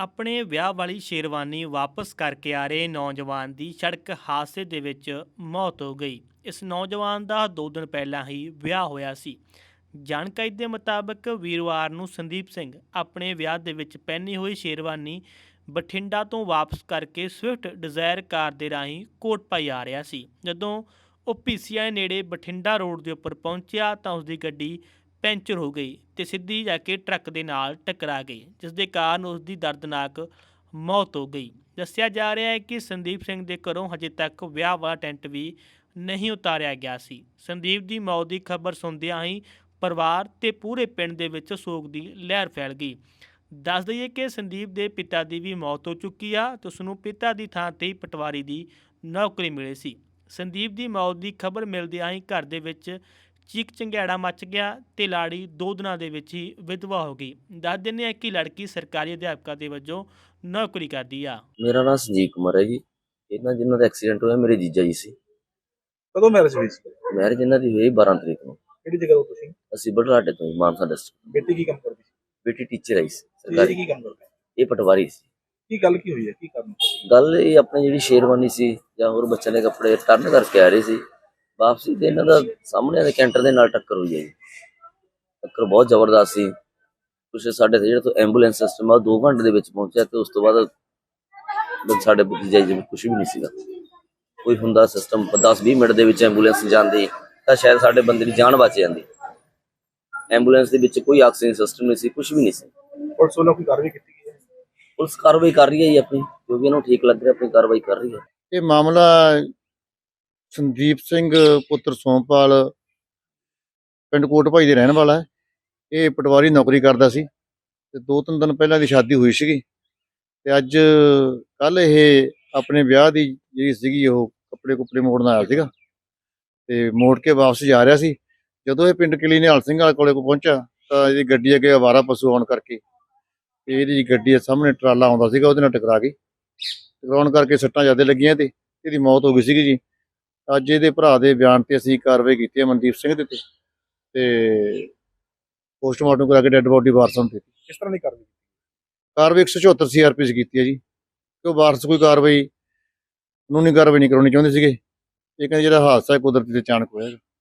ਆਪਣੇ ਵਿਆਹ ਵਾਲੀ ਸ਼ੇਰਵਾਨੀ ਵਾਪਸ ਕਰਕੇ ਆ ਰਹੇ ਨੌਜਵਾਨ ਦੀ ਸੜਕ ਹਾਦਸੇ ਦੇ ਵਿੱਚ ਮੌਤ ਹੋ ਗਈ। ਇਸ ਨੌਜਵਾਨ ਦਾ 2 ਦਿਨ ਪਹਿਲਾਂ ਹੀ ਵਿਆਹ ਹੋਇਆ ਸੀ। ਜਾਣਕਾਰੀ ਦੇ ਮੁਤਾਬਕ ਵੀਰਵਾਰ ਨੂੰ ਸੰਦੀਪ ਸਿੰਘ ਆਪਣੇ ਵਿਆਹ ਦੇ ਵਿੱਚ ਪਹਿਨੀ ਹੋਈ ਸ਼ੇਰਵਾਨੀ ਬਠਿੰਡਾ ਤੋਂ ਵਾਪਸ ਕਰਕੇ ਸਵਿਫਟ ਡਿਜ਼ਾਇਰ ਕਾਰ ਦੇ ਰਾਹੀਂ ਕੋਟਭਾਈ ਆ ਰਿਹਾ ਸੀ। ਜਦੋਂ ਉਹ ਪੀਸੀਆਈ ਨੇੜੇ ਬਠਿੰਡਾ ਰੋਡ ਦੇ ਉੱਪਰ ਪਹੁੰਚਿਆ ਤਾਂ ਉਸਦੀ ਗੱਡੀ ਪੈਂਚਰ ਹੋ ਗਈ ਤੇ ਸਿੱਧੀ ਜਾ ਕੇ ਟਰੱਕ ਦੇ ਨਾਲ ਟਕਰਾ ਗਈ, ਜਿਸ ਦੇ ਕਾਰਨ ਉਸ ਦੀ ਦਰਦਨਾਕ ਮੌਤ ਹੋ ਗਈ। ਦੱਸਿਆ ਜਾ ਰਿਹਾ ਹੈ ਕਿ ਸੰਦੀਪ ਸਿੰਘ ਦੇ ਘਰੋਂ ਹਜੇ ਤੱਕ ਵਿਆਹ ਵਾਲਾ ਟੈਂਟ ਵੀ ਨਹੀਂ ਉਤਾਰਿਆ ਗਿਆ ਸੀ। ਸੰਦੀਪ ਦੀ ਮੌਤ ਦੀ ਖਬਰ ਸੁਣਦਿਆਂ ਹੀ ਪਰਿਵਾਰ ਤੇ ਪੂਰੇ ਪਿੰਡ ਦੇ ਵਿੱਚ ਸੋਗ ਦੀ ਲਹਿਰ ਫੈਲ ਗਈ। ਦੱਸ ਦਈਏ ਕਿ ਸੰਦੀਪ ਦੇ ਪਿਤਾ ਦੀ ਵੀ ਮੌਤ ਹੋ ਚੁੱਕੀ ਆ ਤੇ ਉਸ ਨੂੰ ਪਿਤਾ ਦੀ ਥਾਂ 'ਤੇ ਪਟਵਾਰੀ ਦੀ ਨੌਕਰੀ ਮਿਲੀ ਸੀ। ਸੰਦੀਪ ਦੀ ਮੌਤ ਦੀ ਖਬਰ ਮਿਲਦਿਆਂ ਹੀ ਘਰ ਦੇ ਵਿੱਚ ਚੀਕ ਚੰਗਿਆੜਾ ਮੱਚ ਗਿਆ ਤੇ ਲਾੜੀ 2 ਦਿਨਾਂ ਦੇ ਵਿੱਚ ਹੀ ਵਿਧਵਾ ਹੋ ਗਈ। ਦੱਸ ਦਿੰਦੇ ਹਾਂ ਕਿ ਲੜਕੀ ਸਰਕਾਰੀ ਅਧਿਆਪਕਾ ਦੇ ਵਜੋਂ ਨੌਕਰੀ ਕਰਦੀ ਆ। ਮੇਰਾ ਨਾਮ ਸੰਜੀਵ ਕੁਮਾਰ ਹੈ ਜੀ। ਇਹਨਾਂ ਜਿਨ੍ਹਾਂ ਦਾ ਐਕਸੀਡੈਂਟ ਹੋਇਆ ਮੇਰੇ ਜੀਜਾ ਜੀ ਸੀ। ਕਦੋਂ ਮੈਰਿਜ ਹੋਈ ਸੀ? ਮੈਰਿਜ ਇਹਨਾਂ ਦੀ ਹੋਈ 12 ਤਰੀਕ ਨੂੰ। ਕਿਹੜੀ ਜਗ੍ਹਾ ਤੋਂ ਤੁਸੀਂ? ਅਸੀਂ ਬਢਲਾਡੇ ਤੋਂ ਜੀ, ਮਾਨਸਾ ਡਿਸਟ੍ਰਿਕਟ। ਬੇਟੀ ਕੀ ਕੰਮ ਕਰਦੀ ਸੀ? ਬੇਟੀ ਟੀਚਰ ਆਈ ਸੀ ਜੀ ਸਰਕਾਰੀ। ਕੀ ਕੰਮ ਕਰਦੀ? ਇਹ ਪਟਵਾਰੀ ਸੀ। ਕੀ ਗੱਲ ਕੀ ਹੋਈ ਹੈ? ਕੀ ਕਾਰਨ? ਗੱਲ ਇਹ ਆਪਣੀ ਜਿਹੜੀ ਸ਼ੇਰਵਾਨੀ ਸੀ ਜਾਂ ਹੋਰ ਬੱਚਿਆਂ ਦੇ ਕੱਪੜੇ ਟਰਨ ਕਰਕੇ ਆ ਰਹੇ ਸੀ ਵਾਪਸੀ, ਤੇ ਇਹਨਾਂ ਦਾ ਸਾਹਮਣੇ ਦੇ ਕੈਂਟਰ ਦੇ ਨਾਲ ਟੱਕਰ ਹੋਈ ਹੈ ਜੀ। ਟੱਕਰ ਬਹੁਤ ਜ਼ਬਰਦਸਤ ਸੀ। ਕੁਛ ਸਾਡੇ ਜਿਹੜਾ ਤੋਂ ਐਂਬੂਲੈਂਸ ਸਿਸਟਮ ਆ 2 ਘੰਟੇ ਦੇ ਵਿੱਚ ਪਹੁੰਚਿਆ ਤੇ ਉਸ ਤੋਂ ਬਾਅਦ ਸਾਡੇ ਭਤੀਜਾ ਜੀ ਕੁਛ ਵੀ ਨਹੀਂ ਸੀਗਾ। ਕੋਈ ਹੁੰਦਾ ਸਿਸਟਮ 10-20 ਮਿੰਟ ਦੇ ਵਿੱਚ ਐਂਬੂਲੈਂਸ ਜਾਂਦੀ ਤਾਂ ਸ਼ਾਇਦ ਸਾਡੇ ਬੰਦੇ ਦੀ ਜਾਨ ਬਚ ਜਾਂਦੀ। ਐਂਬੂਲੈਂਸ ਦੇ ਵਿੱਚ ਕੋਈ ਆਕਸੀਜਨ ਸਿਸਟਮ ਨਹੀਂ ਸੀ, ਕੁਛ ਵੀ ਨਹੀਂ ਸੀ। ਪੁਲਿਸ ਵੱਲੋਂ ਕੋਈ ਕਾਰਵਾਈ ਕੀਤੀ ਗਈ ਹੈ? ਪੁਲਿਸ ਕਾਰਵਾਈ ਕਰ ਰਹੀ ਹੈ ਜੀ ਆਪਣੀ, ਜੋ ਵੀ ਇਹਨੂੰ ਠੀਕ ਲੱਗ ਰਿਹਾ ਆਪਣੀ ਕਾਰਵਾਈ ਕਰ ਰਹੀ ਹੈ। ਇਹ ਮਾਮਲਾ ਸੰਦੀਪ ਸਿੰਘ ਪੁੱਤਰ ਸੋਮਪਾਲ ਪਿੰਡ ਕੋਟਭਾਈ ਦੇ ਰਹਿਣ ਵਾਲਾ ਹੈ। ਇਹ ਪਟਵਾਰੀ ਨੌਕਰੀ ਕਰਦਾ ਸੀ ਤੇ 2-3 ਦਿਨ ਪਹਿਲਾਂ ਦੀ ਸ਼ਾਦੀ ਹੋਈ ਸੀਗੀ ਤੇ ਅੱਜ ਕੱਲ ਇਹ ਆਪਣੇ ਵਿਆਹ ਦੀ ਜਿਹੜੀ ਸੀਗੀ ਉਹ ਕੱਪੜੇ ਮੋੜਨ ਆਇਆ ਸੀਗਾ ਤੇ ਮੋੜ ਕੇ ਵਾਪਸ ਜਾ ਰਿਹਾ ਸੀ। ਜਦੋਂ ਇਹ ਪਿੰਡ ਕਿਲੀ ਨਿਹਾਲ ਸਿੰਘ ਵਾਲੇ ਕੋਲੇ ਪਹੁੰਚਿਆ ਤਾਂ ਇਹਦੀ ਗੱਡੀ ਅੱਗੇ ਅਵਾਰਾ ਪਸ਼ੂ ਆਉਣ ਕਰਕੇ ਤੇ ਇਹਦੀ ਗੱਡੀ ਦੇ ਸਾਹਮਣੇ ਟਰਾਲਾ ਆਉਂਦਾ ਸੀਗਾ, ਉਹਦੇ ਨਾਲ ਟਕਰਾ ਗਈ। ਟਕਰਾਉਣ ਕਰਕੇ ਸੱਟਾਂ ਜ਼ਿਆਦਾ ਲੱਗੀਆਂ ਤੇ ਇਹਦੀ ਮੌਤ ਹੋ ਗਈ ਸੀਗੀ ਜੀ। ਅੱਜ ਇਹਦੇ ਭਰਾ ਦੇ ਬਿਆਨ ਤੇ ਅਸੀਂ ਕਾਰਵਾਈ ਕੀਤੀ ਹੈ ਮਨਦੀਪ ਸਿੰਘ ਦੇ ਤੇ ਪੋਸਟਮਾਰਟਮ ਕਰਾ ਕੇ ਡੈੱਡ ਬੋਡੀ ਵਾਰਸਾਂ ਨੂੰ ਦਿੱਤੀ। ਕਿਸ ਤਰ੍ਹਾਂ ਦੀ ਕਾਰਵਾਈ? ਕਾਰਵਾਈ 174 CRPC ਕੀਤੀ ਹੈ ਜੀ ਕਿ ਉਹ ਵਾਰਸ ਕੋਈ ਕਾਰਵਾਈ ਕਾਨੂੰਨੀ ਕਾਰਵਾਈ ਨਹੀਂ ਕਰਾਉਣੀ ਚਾਹੁੰਦੇ ਸੀਗੇ। ਇਹ ਕਹਿੰਦੇ ਜਿਹੜਾ ਹਾਦਸਾ ਹੈ ਕੁਦਰਤੀ ਤੇ ਅਚਾਨਕ ਹੋਇਆ।